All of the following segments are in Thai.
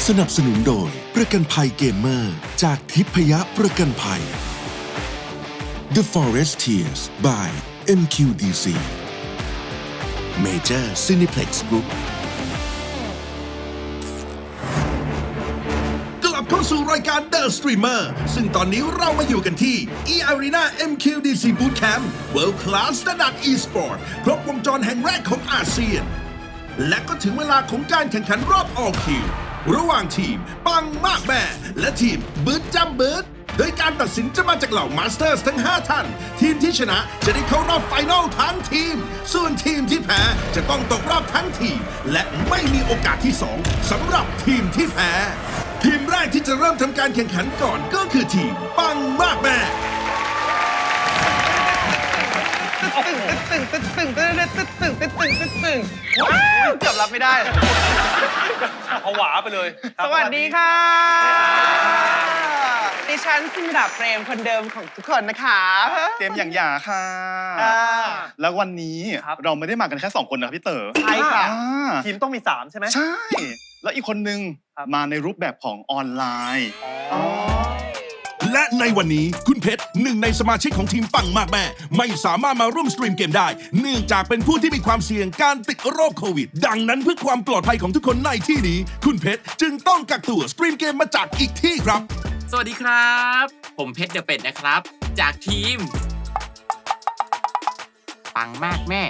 สนับสนุนโดยประกันภัยเกมเมอร์จากทิพยประกันภัย The Foresteers by MQDC Major Cineplex Group กลับเข้าสู่รายการ The Streamer ซึ่งตอนนี้เรามาอยู่กันที่ eArena MQDC Bootcamp World Class Standard Esport ครบวงจรแห่งแรกของอาเซียนและก็ถึงเวลาของการแข่งขันรอบ All Q ระหว่างทีมปังมากแม่และทีมบึดจำบึดโดยการตัดสินจะมาจากเหล่ามาสเตอร์สทั้ง 5 ท่านทีมที่ชนะจะได้เข้ารอบไฟนอลทั้งทีมส่วนทีมที่แพ้จะต้องตกรอบทั้งทีมและไม่มีโอกาสที่ 2สำหรับทีมที่แพ้ทีมแรกที่จะเริ่มทำการแข่งขันก่อนก็คือทีมปังมากแม่ตึงว้าวเกือบรับไม่ได้ผวาไปเลยสวัสดีค่ะดิฉันซินดาเฟรมคนเดิมของทุกคนนะคะเจมส์อย่างหยาค่ะแล้ววันนี้เราไม่ได้มากันแค่2 คนนะครับพี่เต๋อใช่ค่ะทีมต้องมี3ใช่ไหมใช่แล้วอีกคนนึงมาในรูปแบบของออนไลน์และในวันนี้คุณเพชรหนึ่งในสมาชิกของทีมปังมากแม่ไม่สามารถมาร่วมสตรีมเกมได้เนื่องจากเป็นผู้ที่มีความเสี่ยงการติดโรคโควิดดังนั้นเพื่อความปลอดภัยของทุกคนในที่นี้คุณเพชรจึงต้องกักตัวสตรีมเกมมาจากอีกที่ครับสวัสดีครับผมเพชรเดอะเป็ดนะครับจากทีมปังมากแม่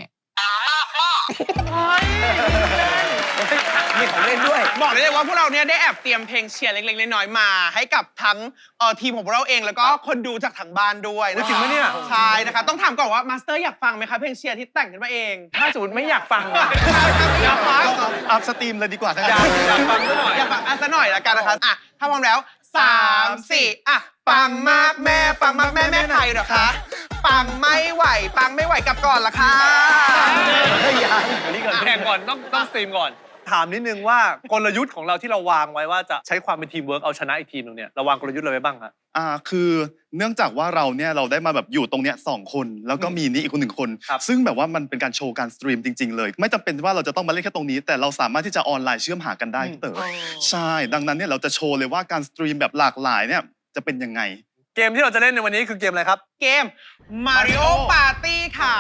มีของเล่นด้วยบอกได้เลยว่าพวกเราเนี่ยได้แอบเตรียมเพลงเชียร์เล็กๆน้อยๆมาให้กับทั้งทีมของพวกเราเองแล้วก็คนดูจากทางบ้านด้วยนะจริงไหมเนี่ยใช่นะคะต้องถามก่อนว่ามาสเตอร์อยากฟังไหมคะเพลงเชียร์ที่แต่งขึ้นมาเองถ้าสมมติไม่อยากฟังอยากฟังอัพสตรีมเลยดีกว่าอยากฟังซะหน่อยอยากฟังซะหน่อยละกันนะคะอ่ะถ้าพร้อมแล้ว3 4อ่ะปังมากแม่ปังมากแม่แม่ไทยเหรอคะปังไม่ไหวปังไม่ไหวกลับก่อนละค่ะอันนี้ก่อนแข่งก่อนต้องสตรีมก่อนถามนิดนึงว่ากลยุทธ์ของเราที่เราวางไว้ว่าจะใช้ความเป็นทีมเวิร์กเอาชนะอีกทีมนึงเนี่ยเราวางกลยุทธ์อะไรไว้บ้างครับคือเนื่องจากว่าเราเนี่ยเราได้มาแบบอยู่ตรงเนี้ย2 คนแล้วก็มีนี่อีกคน1 คนซึ่งแบบว่ามันเป็นการโชว์การสตรีมจริงๆเลยไม่จำเป็นว่าเราจะต้องมาเล่นแค่ตรงนี้แต่เราสามารถที่จะออนไลน์เชื่อมหากันได้พี่เต๋อใช่ดังนั้นเนี่ยเราจะโชว์เลยว่าการสตรีมแบบหลากหลายเนี่ยจะเป็นยังไงเกมที่เราจะเล่นในวันนี้คือเกมอะไรครับเกม Mario Party ค่ะ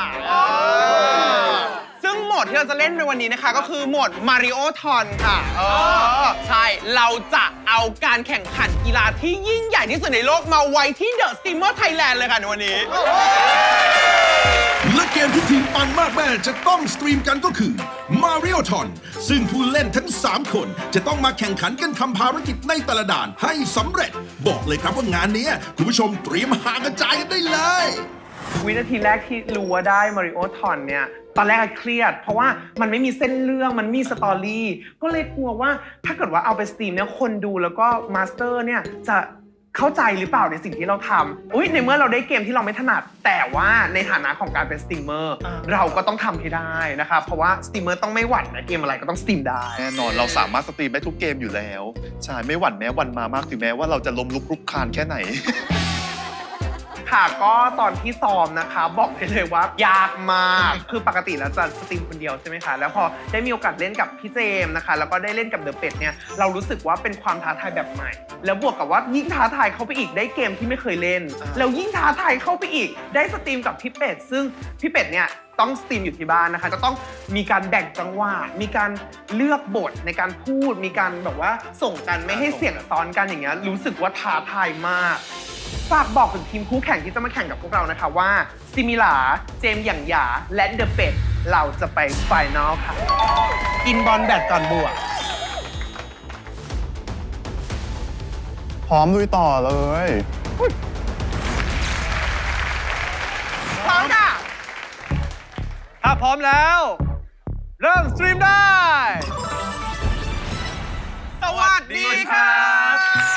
ซึ่งโหมดที่เราจะเล่นในวันนี้นะคะก็คือโหมด Mario Ton ค่ะใช่เราจะเอาการแข่งขันกีฬาที่ยิ่งใหญ่ที่สุดในโลกมาไว้ที่ The Streamer Thailand เลยค่ะในวันนี้และเกมที่ทีมปังมากแม่จะต้องสตรีมกันก็คือ Mario Ton ซึ่งผู้เล่นทั้ง3 คนจะต้องมาแข่งขันกันทำภารกิจในแต่ละด่านให้สำเร็จบอกเลยครับว่างานนี้คุณผู้ชมเตรียมหากระจายกันได้เลยวินาทีแรกที่รู้ว่าได้ Mario Ton เนี่ยตอนแรกเครียดเพราะว่ามันไม่มีเส้นเรื่องมันมีสตอรี่ก็เลยกลัวว่าถ้าเกิดว่าเอาไปสตรีมเนี่ยคนดูแล้วก็มาสเตอร์เนี่ยจะเข้าใจหรือเปล่าในสิ่งที่เราทำในเมื่อเราได้เกมที่เราไม่ถนัดแต่ว่าในฐานะของการเป็นสตรีมเมอร์เราก็ต้องทำให้ได้นะครับเพราะว่าสตรีมเมอร์ต้องไม่หวั่นนะเกมอะไรก็ต้องสตรีมได้แน่นอนเราสามารถสตรีมได้ทุกเกมอยู่แล้วใช่ไม่หวั่นแม้วันมามากถึงแม้ว่าเราจะล้มลุกคลุกคลานแค่ไหนค่ะก็ตอนที่ซ้อมนะคะบอกไปเลยว่ายากมากคือปกติแล้วจะสตรีมคนเดียวใช่ไหมคะแล้วพอได้มีโอกาสเล่นกับพี่เจมส์นะคะแล้วก็ได้เล่นกับเดอะเป็ดเนี่ยเรารู้สึกว่าเป็นความท้าทายแบบใหม่แล้วบวกกับว่ายิ่งท้าทายเข้าไปอีกได้เกมที่ไม่เคยเล่นแล้วยิ่งท้าทายเข้าไปอีกได้สตรีมกับพี่เป็ดซึ่งพี่เป็ดเนี่ยต้องสตรีมอยู่ที่บ้านนะคะจะต้องมีการแบ่งจังหวะมีการเลือกบทในการพูดมีการแบบว่าส่งกันไม่ให้เสียงซ้อนกันอย่างเงี้ยรู้สึกว่าท้าทายมากฝากบอกถึงทีมคู่แข่งที่จะมาแข่งกับพวกเรานะคะว่าซิมิลาเจมส์หยั่งหยาและเดอะเป็ดเราจะไปไฟนอลค่ะกินบอลแบดก่อนบวกพร้อมลุยต่อเลยพร้อมค่ะถ้าพร้อมแล้วเริ่มสตรีมได้สวัสดีครับ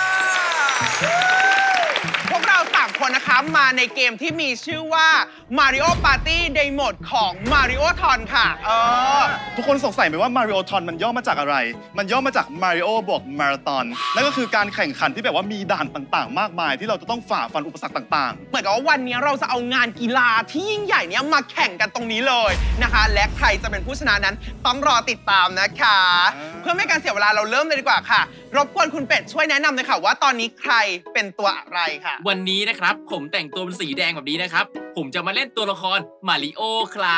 พวกเรา3 คนนะคะมาในเกมที่มีชื่อว่า Mario Party ในโหมดของ Mario Ton ค่ะทุกคนสงสัยไหมว่า Mario Ton มันย่อมาจากอะไรมันย่อมาจาก Mario บวก Marathon นั่นก็คือการแข่งขันที่แบบว่ามีด่านต่างๆมากมายที่เราจะต้องฝ่าฟันอุปสรรคต่างๆเหมือนกับว่าวันนี้เราจะเอางานกีฬาที่ยิ่งใหญ่เนี้ยมาแข่งกันตรงนี้เลยนะคะและใครจะเป็นผู้ชนะนั้นต้องรอติดตามนะคะเพื่อไม่ให้การเสียเวลาเราเริ่มเลยดีกว่าค่ะ รบกวนคุณเป็ดช่วยแนะนำเลยค่ะว่าตอนนี้ใครเป็นตัวอะไรค่ะวันนี้นะครับผมแต่งตัวเป็นสีแดงแบบนี้นะครับ ผมจะมาเล่นตัวละครมาริโอครับ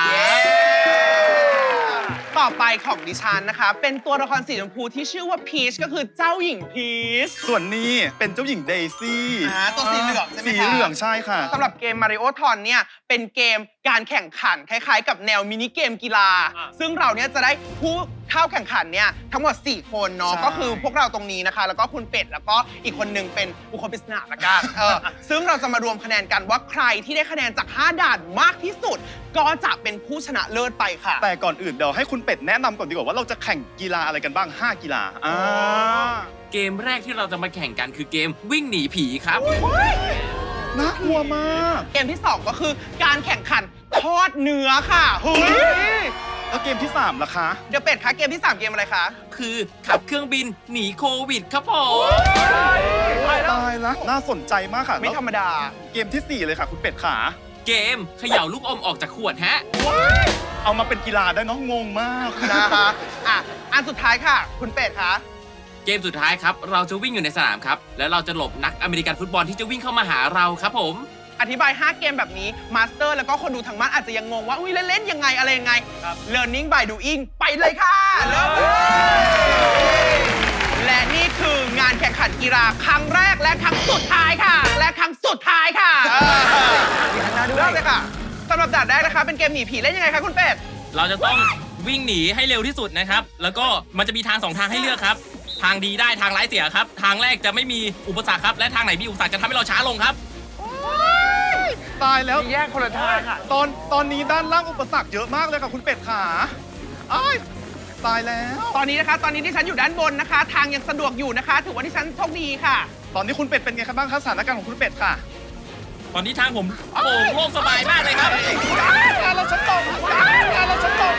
ต่อไปของดิฉันนะคะ เป็นตัวละครสีชมพูที่ชื่อว่าพีชก็คือเจ้าหญิงพีชส่วนนี้เป็นเจ้าหญิงเดซี่ตัวสีเหลืองใช่ไหมคะสีเหลืองใช่ค่ะสำหรับเกม Mario Ton เนี่ยเป็นเกมการแข่งขันคล้ายๆ กับแนวมินิเกมกีฬา ซึ่งเราเนี่ยจะได้ผู้เข้าแข่งขันเนี่ยทั้งหมด 4 คนเนาะใช่ก็คือพวกเราตรงนี้นะคะ แล้วก็คุณเป็ดแล้วก็อีกคนนึงเป็นบุคคลปริศนาละกันซึ่งเราจะมารวมคะแนนกันว่าใครที่ได้คะแนนจาก 5 ด่านมากที่สุด ก็จะเป็นผู้ชนะเลิศไปค่ะแต่ก่อนอื่นเดี๋ยวให้คุณเป็ดแนะนำก่อนดีกว่าว่าเราจะแข่งกีฬาอะไรกันบ้าง 5 กีฬาเกมแรกที่เราจะมาแข่งกันคือเกมวิ่งหนีผีครับน่ากลัวมากเกมที่ 2 ก็คือการแข่งขันทอดเนื้อค่ะเฮ้ยแล้วเกมที่ 3ล่ะคะเดี๋ยวเป็ดคะเกมที่ 3 เกมอะไรคะคือขับเครื่องบินหนีโควิดครับผมตายละน่าสนใจมากค่ะไม่ธรรมดาเกมที่ 4 เลยค่ะคุณเป็ดขาเกมเขย่าลูกอมออกจากขวดฮะเอามาเป็นกีฬาได้เน้องงงมากนะคะอันสุดท้ายค่ะ คุณเป็ดคะเกมสุดท้ายครับเราจะวิ่งอยู่ในสนามครับ แล้วเราจะหลบนักอเมริกันฟุตบอลที่จะวิ่งเข้ามาหาเราครับผมอธิบาย 5 เกมแบบนี้มาสเตอร์แล้วก็คนดูทางบ้านอาจจะยังงงว่าอุ้ยเล่นๆยังไงอะไรยังไง Learning by doing ไปเลยค่ะเริ่มเลยและนี่คืองานแข่งขันกีฬาครั้งแรกและครั้งสุดท้ายค่ะ และครั้งสุดท้ายค่ะเริ่มเลยค่ะสำหรับด่านแรกนะคะเป็นเกมหนีผีเล่นยังไงคะคุณเป็ดเราจะต้องวิ่งหนีให้เร็วที่สุดนะครับ แล้วก็มันจะมีทาง 2 ทางให้เลือกครับ ทางดีได้ทางร้ายเสียครับ ทางแรกจะไม่มีอุปสรรคครับ และทางไหนมีอุปสรรคจะทำให้เราช้าลงครับตายแล้วแยกคนละทางค่ะตอนนี้ด้านล่างอุปสรรคเยอะมากเลยค่ะคุณเป็ดขาอ้ายตายแล้วตอนนี้นะคะตอนนี้ที่ฉันอยู่ด้านบนนะคะ ทางยังสะดวกอยู่นะคะ ถือว่าที่ฉันโชคดีค่ะตอนนี้คุณเป็ดเป็นไงครับบ้างคะสถานการณ์ของคุณเป็ดค่ะตอนนี้ทางผมโป่งโล่งสบายมากเลยครับงานเราชั้นตกงานเราชั้นตก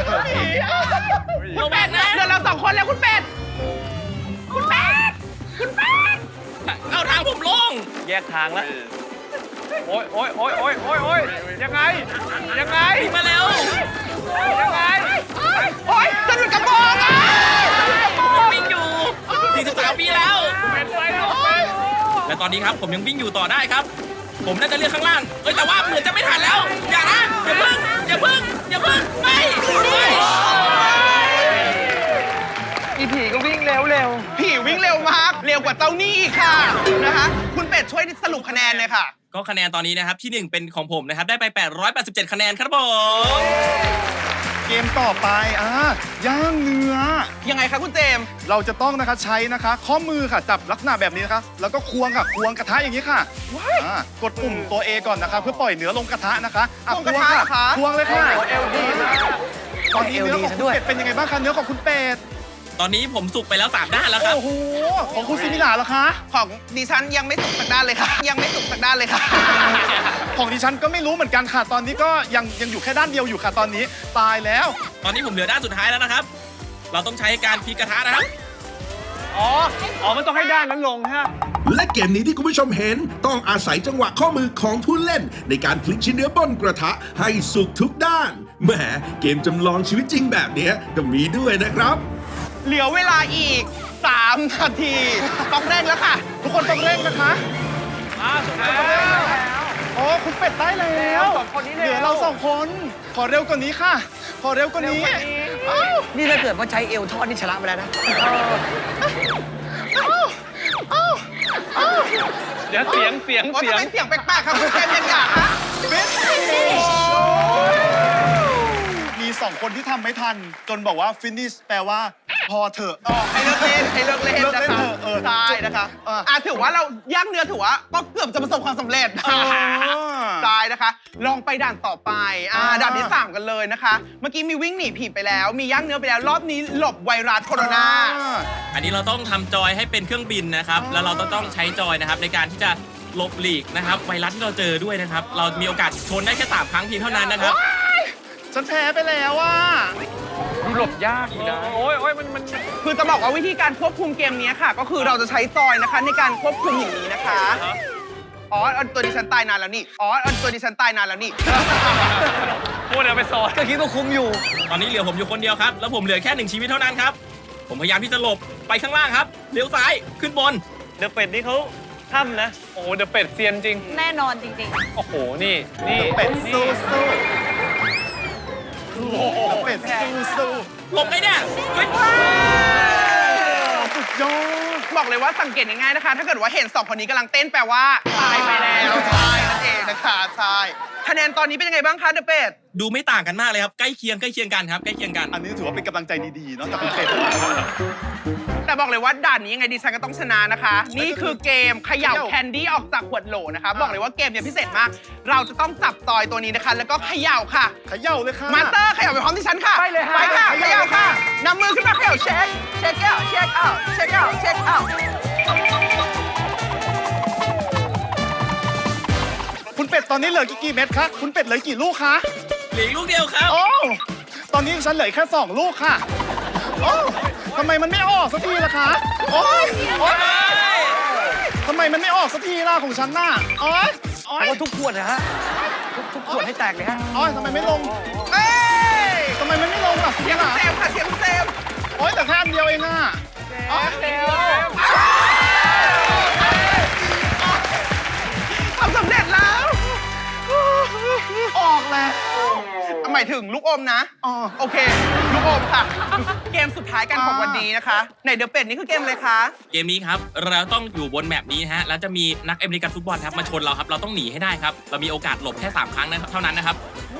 ระวังนะเดี๋ยวเรา2 คนแล้วคุณเป็ด คุณเป็ด คุณเป็ดเอาทางผมโล่งแยกทางแล้ว โอ้ยโอ้ยโอ้ยโอ้ยโอ้ยโอ้ยยังไง ยังไงมาแล้วยังไงโอ๊ยสะดุดกระโปรงอ่ะผมยังวิ่งอยู่ 43 ปีแล้วเป็นไรลูกเป็นและตอนนี้ครับผมยังวิ่งอยู่ต่อได้ครับ ผมน่าจะเลือกข้างล่างแต่ว่าเหมือนจะไม่ทันแล้ว อย่านะอย่าเพิ่งอย่าเพิ่งอย่าเพิ่งไม่อีผีก็วิ่งเร็วเร็วผีวิ่งเร็วมาก เร็วกว่าเจ้าหนี้อีกค่ะ นะคะ คุณเป็ดช่วยสรุปคะแนนเลยค่ะก็คะแนนตอนนี้นะครับที่ 1 เป็นของผมนะครับได้ไป 887 คะแนนครับผมเกมต่อไปย่างเนื้อยังไงคะคุณเจมส์เราจะต้องนะคะใช้นะคะ ข้อมือค่ะจับลักษณะแบบนี้นะคะแล้วก็ควงค่ะควงกระทะอย่างนี้ค่ะกดปุ่มตัว A ก่อนนะคะ เพื่อปล่อยเนื้อลงกระทะนะคะควงกระทะเหรอคะควงเลยค่ะเอลดีมากตอนนี้เนื้อของคุณเป็ดเป็นยังไงบ้างคะเนื้อของคุณเป็ดตอนนี้ผมสุกไปแล้ว3 ด้านแล้วครับโอ้โหของคุณซิมิลาเหรอคะของดิฉันยังไม่สุกสักด้านเลยค่ะ ยังไม่สุกสักด้านเลยค่ะของดิฉันก็ไม่รู้เหมือนกันค่ะ ตอนนี้ก็ยังอยู่แค่ด้านเดียวอยู่ค่ะตอนนี้ตายแล้วตอนนี้ผมเหลือด้านสุดท้ายแล้วนะครับ เราต้องใช้การพลิกกระทะนะครับอ๋อ มันต้องให้ด้านนั้นลงฮะและเกมนี้ที่คุณผู้ชมเห็นต้องอาศัยจังหวะข้อมือของผู้เล่น ในการพลิกชิ้นเนื้อบนกระทะให้สุกทุกด้านแหมเกมจำลองชีวิตจริงแบบเนี้ยก็มีด้วยนะครับเหลือเวลาอีก 3 นาที ต้องเร่งแล้วค่ะทุกคนต้องเร่งนะคะสุดแล้วอ๋อคุณเป็ดได้แล้วสองคนนี้เหลือเรา2 คน ขอเร็วกว่านี้ค่ะ ขอเร็วกว่านี้นี่ถ้าเกิดว่าใช้เอวทอดนี่ชนะไปแล้วนะเดี๋ยวเสียงโอ้ทำไมเสียงแปลกๆครับคุณเจมส์ยังอยากคะมี2 คนที่ทำไม่ทัน จนบอกว่า finish แปลว่า พอเถอะให้เลิกเล่นให้เลิกเล่นเลิกนะเล่นคะเถอะใช่นะคะถือว่าเราย่างเนื้อถือว่าก็เกือบจะประสบความสำเร็จใช่นะคะ ลองไปด่านต่อไปด่านที่ 3 กันเลยนะคะ เมื่อกี้มีวิ่งหนีผีไปแล้ว มีย่างเนื้อไปแล้ว รอบนี้หลบไวรัสโคโรนาอันนี้เราต้องทำจอยให้เป็นเครื่องบินนะครับ แล้วเราต้องใช้จอยนะครับในการที่จะหลบหลีกนะครับไวรัสที่เราเจอด้วยนะครับ เรามีโอกาสชนได้แค่3 ครั้งเพียงเท่านั้นนะครับฉันแพ้ไปแล้วอ่ะดูหลบยากอยู่นะ โอ้ยมันคือจะบอกว่าวิธีการควบคุมเกมนี้ค่ะ ก็คือเราจะใช้จอยนะคะในการควบคุมอย่างนี้นะคะ อ๋อตัวดิฉันตายนานแล้วนี่ อ๋อตัวดิฉันตายนานแล้วนี่พูดเอาไปสอนก็คิดว่าคุ้มอยู่ตอนนี้เหลือผมอยู่คนเดียวครับ แล้วผมเหลือแค่1 ชีวิตเท่านั้นครับผมพยายามที่จะหลบไปข้างล่างครับเลี้ยวซ้ายขึ้นบนเดอะเป็ดนี่เขาถ้ำนะ โอ้โหเดอะเป็ดเซียนจริงแน่นอนจริงโอ้โห นี่นี่เป็ดนี่สู้เป็ดสู้หลบไงเนี่ยเฮ้ยสุดยอดบอกเลยว่าสังเกตง่ายๆนะคะ ถ้าเกิดว่าเห็น2คนนี้กำลังเต้นแปลว่าตายไปแล้วใช่นั่นเองนะคะใช่คะแนนตอนนี้เป็นยังไงบ้างคะเดอะเป็ดดูไม่ต่างกันมากเลยครับใกล้เคียงกันครับใกล้เคียงกันอันนี้ถือว่าเป็นกำลังใจดีๆเนาะจากคุณเป็ดแต่บอกเลยว่าด่านนี้ยังไงดิฉันก็ต้องชนะนะคะ นี่คือเกมเขย่าแคนดี้ออกจากขวดโหลนะคะ บอกเลยว่าเกมเนี่ยพิเศษมาก เราจะต้องจับจอยตัวนี้นะคะ แล้วก็เขย่าค่ะเขย่าเลยค่ะมาสเตอร์เขย่าไปพร้อมที่ฉันค่ะไปเลยฮะไปค่ะเขย่าค่ะนำมือขึ้นมาเขย่าเช็คเช็คเอาเช็คเอาเช็คเอาเช็คเอาคุณเป็ดตอนนี้เหลือกี่เม็ดคะคุณเป็ดเหลือกี่ลูกคะเหลืออีกลูกเดียวครับโอ้ตอนนี้ฉันเหลือแค่2 ลูกค่ะโอ้ทำไมมันไม่ออกสักทีล่ะคะโอ้ยโอ๊ยทำไมมันไม่ออกสักทีล่ะของฉันน่ะโอ๊ยโอ๊ยเอาว่าทุกขวดนะฮะ ทุกขวดให้แตกเลยฮะโอ๊ยทำไมไม่ลงเอ้ยทำไมมันไม่ลงอ่ะเสียงคุณเซมค่ะเสียงคุณเซมโอ๊ยแต่แค่อันเดียวเองอ่ะโอ๊ยทำสำเร็จแล้วออกแล้วหมายถึงลูกอมนะอ๋อโอเค ลูกอมค่ะ เกมสุดท้ายกันของวันนี้นะคะในเดอะเป็ดนี่คือเกมอะไรคะเกมนี้ครับเราต้องอยู่บนแมปนี้นะฮะแล้วจะมีนักอเมริกันฟุตบอลครับมาชนเราครับเราต้องหนีให้ได้ครับเรามีโอกาสหลบแค่3 ครั้งนะครับเท่านั้นนะครับ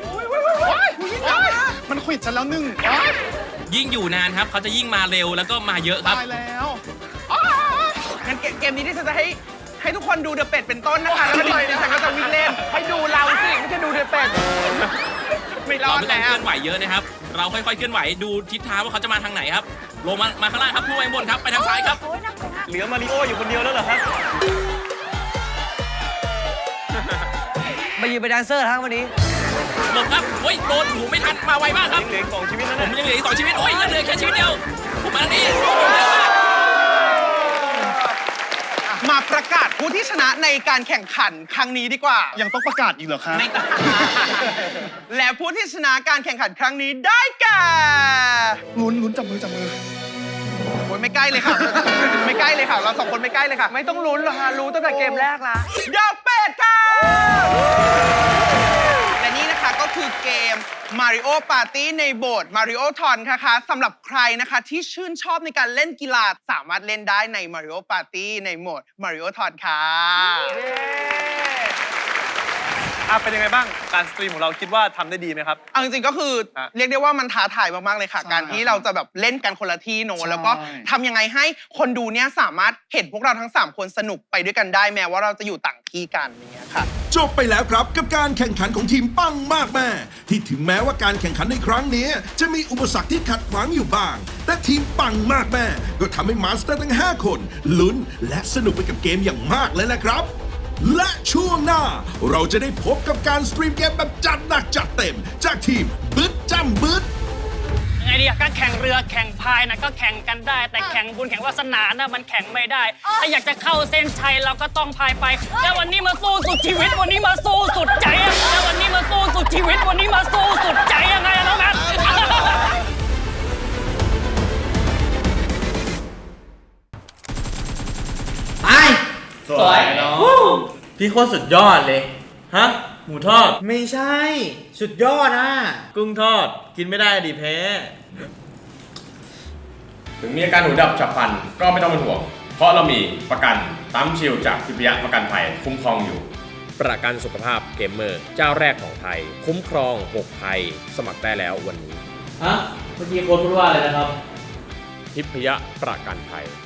มันขวิดฉันแล้ว1โอ๊ยยิ่งอยู่นานครับเขาจะยิ่งมาเร็วแล้วก็มาเยอะครับตายแล้วงั้นเกมนี้ที่ฉันจะให้ทุกคนดูเดอะเป็ดเป็นต้นนะคะ แล้วก็ดิฉันก็จะวิ่งเล่น ให้ดูเราสิไม่ใช่ดูเดอะเป็ด ไม่รเราอดไม่ต้องแล้วเคลื่อนไหวเยอะนะครับเราค่อยๆเคลื่อนไหวดูทิศทางว่าเขาจะมาทางไหนครับลงมาข้างล่างครับพุ่งไปบนครับไปทางซ้ายครับๆ โอ้ยน่ากลัวมากเหลือมาริโออยู่คนเดียวแล้วเหรอครับมายืนเป็นแดนเซอร์ทั้งวันนี้หลบครับโอ้ยโดนหูไม่ทันมาไวมากครับเหลืออีก2 ชีวิตแล้วผนะมยังเหลืออีก2 ชีวิตโอ้ยยังเหลือแค่ชีวิตเดียวผมมาทางนี้ผมเร็วมากมาประกาศผู้ที่ชนะในการแข่งขันครั้งนี้ดีกว่ายังต้องประกาศอีกเหรอคะไม่ต้อง และผู้ที่ชนะการแข่งขันครั้งนี้ได้แก่ลุ้นจับมือโอ้ยไม่ใกล้เลยค่ะ ไม่ใกล้เลยค่ะ เรา2 คนไม่ใกล้เลยค่ะไม่ต้องลุ้นหรอกฮะ รู้ตั้งแต่เกมแรกละเดอะเป็ดค่ะ และนี่นะคะก็คือเกม Mario Party ในโบสถ์ Mario Ton นะคะสำหรับใครนะคะที่ชื่นชอบในการเล่นกีฬาสามารถเล่นได้ใน Mario Party ในโหมด Mario Ton ค่ะเป็นยังไงบ้างการสตรีมของเราคิดว่าทำได้ดีไหมครับเอาจริงๆก็คือฮะเรียกได้ว่ามันท้าทายมากๆเลยค่ะใช่การที่เราจะแบบเล่นกันคนละที่โนใช่แล้วก็ทำยังไงให้คนดูเนี่ยสามารถเห็นพวกเราทั้ง 3 คนสนุกไปด้วยกันได้แม้ว่าเราจะอยู่ต่างที่กันอย่างเงี้ยค่ะจบไปแล้วครับกับการแข่งขันของทีมปังมากแม่ ที่ถึงแม้ว่าการแข่งขันในครั้งนี้จะมีอุปสรรคที่ขัดขวางอยู่บ้าง แต่ทีมปังมากแม่ ก็ทำให้มาสเตอร์ทั้ง 5 คนลุ้นและสนุกไปกับเกมอย่างมากเลยนะครับ และช่วงหน้าเราจะได้พบกับการสตรีมเกมแบบจัดหนักจัดเต็ม จากทีมบึ้ดจ้ำบึ้ดไงดีอะก็แข่งเรือแข่งพายนะก็แข่งกันได้ แต่แข่งบุญแข่งวาสนานะมันแข่งไม่ได้ ถ้าอยากจะเข้าเส้นชัยเราก็ต้องพายไป แล้ววันนี้มาสู้สุดชีวิตวันนี้มาสู้สุดใจอะแล้ววันนี้มาสู้สุดชีวิตวันนี้มาสู้สุดใจยังไงอะน้องนัทตายสวยเนาะพี่โคตรสุดยอดเลย ฮะ หมูทอด ไม่ใช่ สุดยอดนะกุ้งทอด กินไม่ได้ดิแพ้ถึงมีอาการหูดับฉับพลันก็ไม่ต้องเป็นห่วง เพราะเรามีประกันตั้มชิลจากทิพยประกันภัยคุ้มครองอยู่ ประกันสุขภาพเกมเมอร์เจ้าแรกของไทย คุ้มครอง6ภัยสมัครได้แล้ววันนี้ฮะ เมื่อกี้โค้ดพูดว่าอะไรนะครับทิพยประกันภัย